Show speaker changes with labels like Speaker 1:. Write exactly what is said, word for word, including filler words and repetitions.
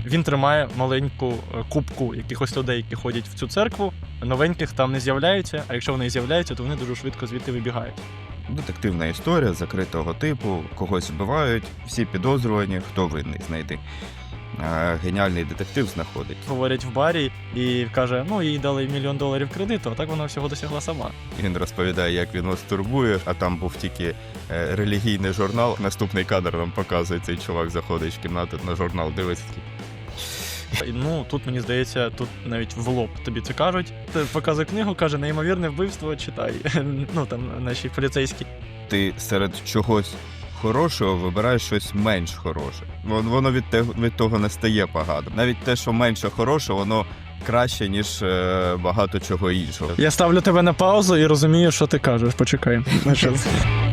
Speaker 1: Він тримає маленьку кубку якихось людей, які ходять в цю церкву. Новеньких там не з'являються, а якщо вони і з'являються, то вони дуже швидко звідти вибігають.
Speaker 2: Детективна історія закритого типу, когось вбивають, всі підозрювані, хто винний знайти. А геніальний детектив знаходить.
Speaker 1: Говорять в барі і каже, ну їй дали мільйон доларів кредиту, а так вона всього досягла сама.
Speaker 2: Він розповідає, як він вас турбує, а там був тільки е, релігійний журнал. Наступний кадр нам показує, цей чувак заходить в кімнату на журнал, дивиться.
Speaker 1: Ну, тут, мені здається, тут навіть в лоб тобі це кажуть. Ти показує книгу, каже, неймовірне вбивство, читай. Ну, там, наші поліцейські.
Speaker 2: Ти серед чогось хорошого вибираєш щось менш хороше. Воно від, те, від того не стає погано. Навіть те, що менше хороше, воно краще, ніж е, багато чого іншого.
Speaker 1: Я ставлю тебе на паузу і розумію, що ти кажеш. Почекай.